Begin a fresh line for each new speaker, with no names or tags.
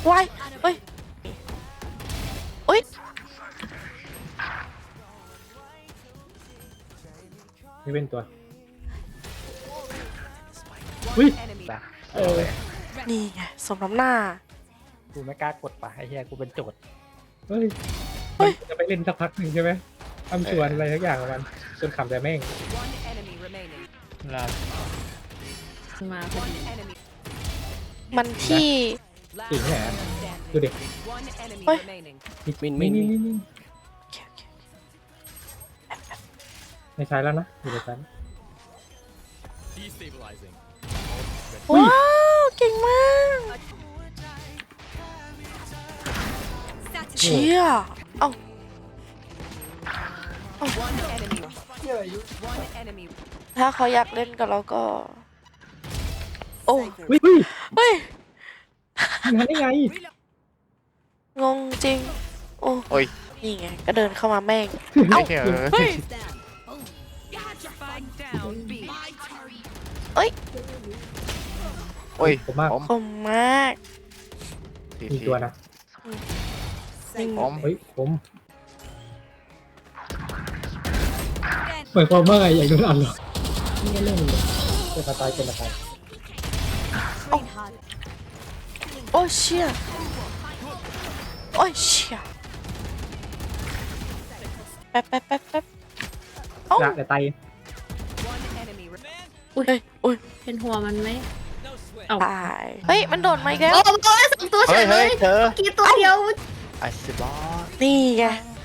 วายเฮ้ยเฮ้ย
ไม่เป็นตัวอุ้ยเออ
นี่ไงสมน้ำหน้า
กูไม่กล้ากดป่ะไอ้เหี้ยกูเป็นโจทย์
เฮ้ยมันจะไปเล่นสักพักหนึ่งใช่ไหมทำชวนอะไรทักอย่างของมันจนขำแต่แม่ง
ลา
มาพอดี
มันที่
จริงแหละดูดิ
เฮ้ย
มิน
นี่
โอเคโอเค
ในซ้ายแล้วนะอยู่ในซ้าย
ว้าวเก่งมากเชี่ยเอ้าถ้าเขาอยากเล่นกับเราก็ โอ้
อุ้ย
เฮ้ย
งานได้ไง
งงจริง โอ้
โอ้ย
นี่ไง ก็เดินเข้ามาแม่ง
ไอ้เหี้ย
เฮ้ย เอ้ย
โอ้ย
ผมมาก
ผม
คมมาก
มีตัวนะ
นิ่ง
ผม
เฮ้ยผมเหมือนความว่าไงอย่างนั้นอันหรอไม่เล่นเลยเป็นมาตายเป็นมาตาย
โอ้ยเชี่ยโอ้ยเชี่ยแป๊บเอ้า
ละแต่ตาย
อุ้ยอุ้ย
เป็นหัวมันไหมเอา
ตายเฮ้ย มันโดดมาอีกแล้ว
โอ้โหสองตัวเฉ
เฮ้ย
ยเล
เฮ้ย
ย
เธอ
กี่ตัวเดียว
ไอ้สิบอส
นี่ไง